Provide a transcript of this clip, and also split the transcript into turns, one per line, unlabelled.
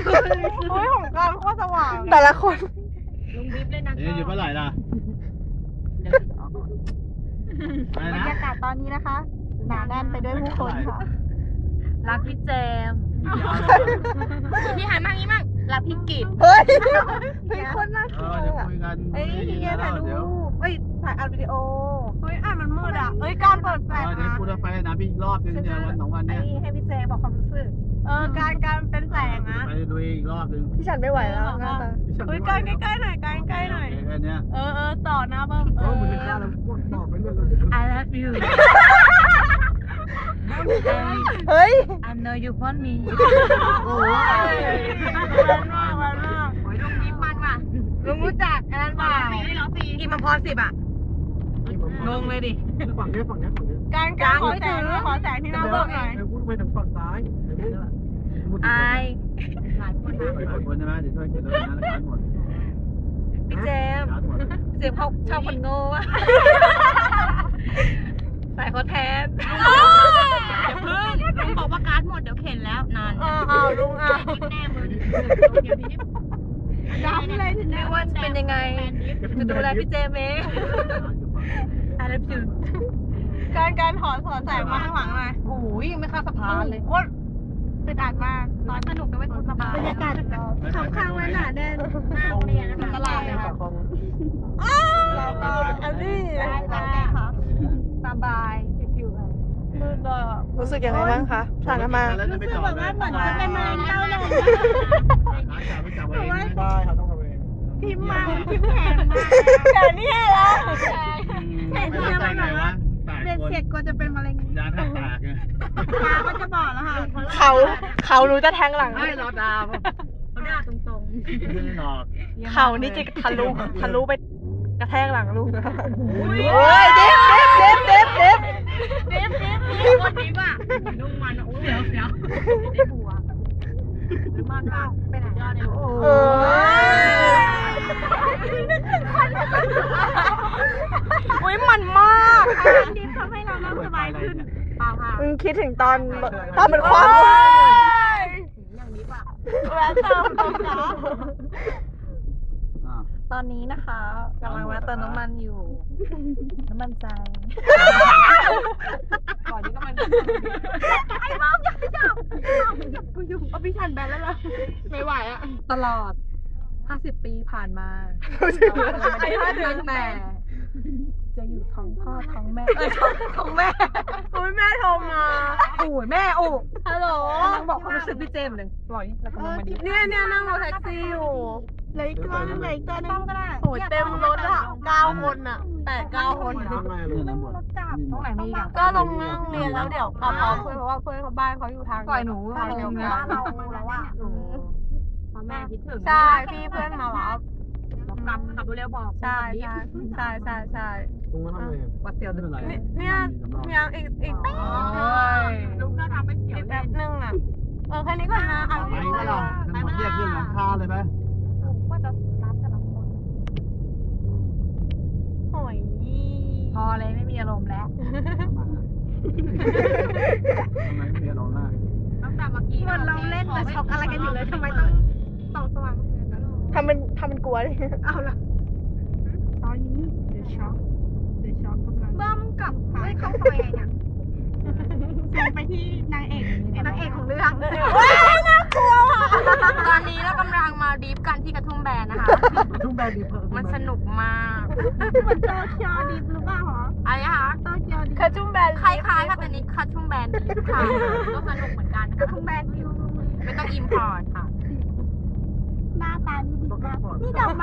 โอ้ยของการโคตรสว่าง
แต่ละคน
ลุงบิ๊บเลยนะ
หยุดเมื่อไหร่ล่ะ
เดี๋ยวออกก่อน
อะไร
บร
นะ
รยากาศตอนนี้นะคะหนาแน่นไปด้วยผู้คนค่ะ
รักพี่แจมพี่หายมั่งนี้มั่งรักพี่กิต
เฮ้ยเป็นคนน่า
เอ
เกลีย
อ
ด
เดี๋ยว
อะ
คุยกัน
เอ้ยเฮียถ่ายรู
เดี๋ยว
ปเอ้ยถ่ายอัดวิดีโอเฮ้ยอ่านมันมืดอ่ะเอ้ยการเปิดแฟลช
เดี๋ยว
นะ
พูดไปนะพี่อีกรอบนึงเนี่ยวันสองวัน
ไอ้
เนี่ย
ให้พี่เจบอกความรู้สึกการเป็นแสงนะ
ไปดูอีกรอบนึง
พี่ฉันไม่ไหวแล้วหน้าตา
เฮ้ยใกล้ใกล้หน่อยใกล้หน่อย
แค่เนี้ย
ต่อหน้าเบิ้ม
มึงจะฆ่าแล้วบอกไปเรื่อย
I love you
เฮ้ย
I know you want me
โอ้ยมันมาก
ลุงบิ๊บมันว่ะ
ลุงรู้จักอันนั้นเปล่า
กินมาพอ10 อ่ะงงเลยดิ
ฝั่งนี้ฝั่งนี้ฝั่งนี้
การขอแสงที่หน้าเบิ้มหน่อย
พูดไปทางฝั่งซ้าย
อายหลายคน
หลายคนใช่ไหมเดี๋ยวช่วยกันเลยนะการหมด
พี่เจม
การหมด
เจมเขาชอบคนโง่ว่ะใส่เขาแทนอย่าพึ่งลุงบอกว่าการ์ดหมดเดี๋ยวเข็นแล้วนาน
ลุง
แน่มึงเดี๋ยวนี้
ดำเลยถึง
ไม่ว่าจะเป็นยังไง จะดูแลพี่เจมเอง I love you
การถอนแสงมาข้างหลังหน่อย
โอ้ยยังไม่ข้ามสะพานเลย
โคตรเป็นอัดมากตอนสนุกด้วยคนสบายบรรยากาศข้างๆและหนาแน่น
หน้าโรงเรียนนะคะ
ตลาดเลยค่ะเราก็อันนี้ค่ะ
สบายชิวๆเลย
มืดเลย
รู้สึกยังไงบ้างคะผ่านมา
รู้สึกแบบว่าเหมือนจะเป็นมะเร็งเต้านม
ได้ครับต้องระเวง
พิมพ์มาพิมพ์แพงมากแต่นี่เหรอเห็นที่มันแบบว่าเด็ดเสร็จก็จะเป็นมะเร็ง
ยาแทบปากไง
ตาก็จะบอดแล้วค่ะ
เขารู้จะแทงหลัง
ไม่รอดาวเขาด่าตรง
ไม่ได้หลอก
ๆ
เขานี่จะทะลุไปกระแทกหลังลูก
โอ้ย
เด็บ
เด็บคนนี้ป่ะนุ่งมันโอ้ยเสียวได้บัวมันป่ะเป็นยอดเลย
เออุ้ยมันมาก
ดิฟทำให้เรานั่งสบายขึ้น
เปล่าค่ะ
มึงคิดถึงตอนเป็นความ
อย่างนี้ป่ะ
แวะเติมตรงจ้า
ตอนนี้นะคะกำลังแวะเติมน้ำมันอยู่ น้ำมันใจ
ก่อนนี้ก็มัน
ไอ้บ้าอย่าจับกูอยู่เอาพี่ชันแบนแล้วล่ะ
ไม่ไหวอ่ะ
ตลอด 50 ปีผ่านมา
ไอ้ท่าเดิน
แต่จะอยู่ท้องพ่อท้องแม่
ของแม่โอ้ยแม่โทรมา
โอ้ยแม่โอ้
ฮัลโหล
กำลังบอกความรู้สึกพี่เจมส์เลยปล่อยแล้วก็ลงมาดี
เนี่ยนั่งรถแท็กซี่อยู่เลยก็เลยก็ต้องก็ได้โอ้ยเต็มรถอ่ะ9 คนอ่ะแต่9 คน
ทำไมเลยนะหมด
ตรงไหนมีอีก
ก็ลงนั่งเรียนแล้วเดี๋ยวกลับพร้อมเพื่อนเพราะว่าเพื่อนเขาบ้านเขาอยู่ทาง
ปล่อยหนู
ทางเดียวกันบ้านเราแล้วอ่ะ
พ่อแม่คิดถึง
ใช่พี่เพื่อนมารับ
ขับเร็วบอก
ใช่ใช่
ลุงก็ทำไง
วัดเตียว
ไม่
ดึ
เป็นไร
เนี่ยยังอีกแป๊บ
ลุงก็ทำไม่เสียว
อีกแป๊บนึงอ่ะแค่นี้ก่อนนะเอา
ไปก็ได้ทั้งหมดแยกขึ้นหลังคาเลยไหม
ว่าจะรับแต่ละคนโอ้ย
พอเลยไม่มีอารมณ์แล้ว
ทำไมไม่มีอารมณ์ล่ะ
ตั้งแต่เมื่อกี้
เหมือนเราเล่นแต่ช็อกอะไรกันอยู่เลยทำไมต้องส่องสว่างขนาดนั้น
ทำเป็นกลัวดิ
เอาล่ะตอนนี้เดอะช็อกกำลังเบิ้มกับไม่เข้าซอยเนี่ยซูมไปที่นางเอกของเรื่องน่ากลัวอ่ะ
ตอนนี้เรากำลังมาดริฟกันที่กระทุ่มแบนนะคะ
ทุ่งแบนดีเพิ่ม
มันสนุกมาก
เหมือนโตเกียวดิฟหรือเปล่าหรอ
อะไรนะคะ
โตเกียวดิฟ
กระจุ่มแบน
คล้ายๆค่ะแต่นี้คัททุ่มแบนดริฟค่ะก็สนุกเหมือนกัน
กระทุ่งแบนดิฟ
ไม่ต้องอิมพอร์ตค่ะ
หน้าตานี่ดีมากนี่ดอก